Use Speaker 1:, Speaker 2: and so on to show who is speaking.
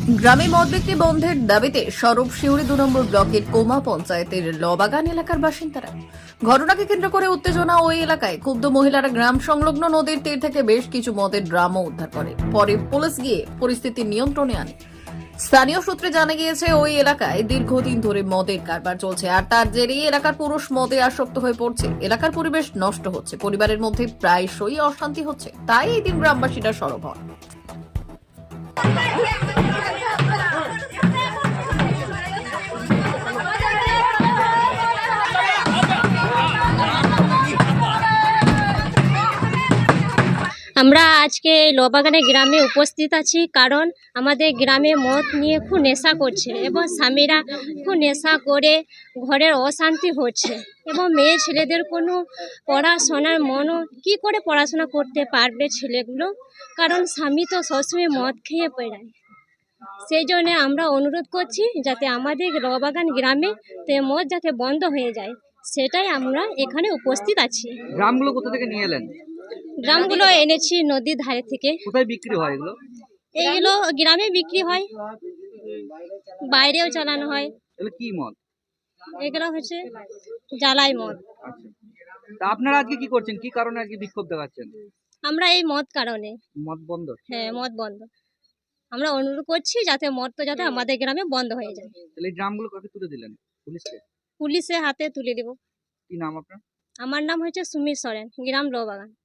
Speaker 1: গ্রামে মদ বিক্রি বন্ধের দাবিতে সরব শিউরি 2 নম্বর ব্লকের কোমা পঞ্চায়েতের লবাগান এলাকার বাসিন্দারা। ঘটনাকে কেন্দ্র করে উত্তেজনা ওই এলাকায়। ক্ষুব্ধ মহিলারা গ্রাম সংলগ্ন নদীর তীর থেকে বেশ কিছু মদের ড্রামও উদ্ধার করে। পরে পুলিশ গিয়ে পরিস্থিতি নিয়ন্ত্রণে আনে। স্থানীয় সূত্রে জানা গিয়েছে ওই এলাকায় দীর্ঘদিন ধরে মদের কারবার চলছে, আর তার জেরেই এলাকার পুরুষ মদে আসক্ত হয়ে পড়ছে। এলাকার পরিবেশ নষ্ট হচ্ছে, পরিবারের মধ্যে প্রায়শই অশান্তি হচ্ছে। তাই এই দিন গ্রামবাসীরা সরব হন।
Speaker 2: আমরা আজকে লোবাগানে গ্রামে উপস্থিত আছি, কারণ আমাদের গ্রামে মদ নিয়ে খুব নেশা করছে এবং স্বামীরা খুব নেশা করে ঘরের অশান্তি হচ্ছে এবং মেয়ে ছেলেদের কোনো পড়াশোনার মনও কী করে পড়াশোনা করতে পারবে ছেলেগুলো, কারণ স্বামী তো সবসময় মদ খেয়ে বেড়ায়। সেই জন্যে আমরা অনুরোধ করছি যাতে আমাদের লোবাগান গ্রামে মদ যাতে বন্ধ হয়ে যায়, সেটাই আমরা এখানে উপস্থিত আছি।
Speaker 3: গ্রামগুলো কোথা থেকে নিয়ে এলেন?
Speaker 2: ড্রামগুলো এনেছি নদীর ধারে থেকে।
Speaker 3: কোথায় বিক্রি হয় এগুলো?
Speaker 2: এইগুলো গ্রামে বিক্রি হয়, বাইরেও চালানো হয়।
Speaker 3: এগুলো কি মদ?
Speaker 2: এগুলো হচ্ছে জ্বালাই মদ।
Speaker 3: আচ্ছা, তা আপনারা আজকে কি করছেন? কি কারণে আজকে বিক্ষোভ দেখাচ্ছেন?
Speaker 2: আমরা এই মদ কারণে,
Speaker 3: মদ বন্ধ?
Speaker 2: হ্যাঁ মদ বন্ধ। আমরা অনুরোধ করছি যাতে মদটা যাতে আমাদের গ্রামে বন্ধ হয়ে যায়।
Speaker 3: তাহলে এই ড্রামগুলো কাকে তুলে দিলেন? পুলিশকে?
Speaker 2: পুলিশের হাতে তুলে দেব।
Speaker 3: কি নাম আপনার?
Speaker 2: আমার নাম হচ্ছে সুমির সরেন, গ্রাম লোবাগান।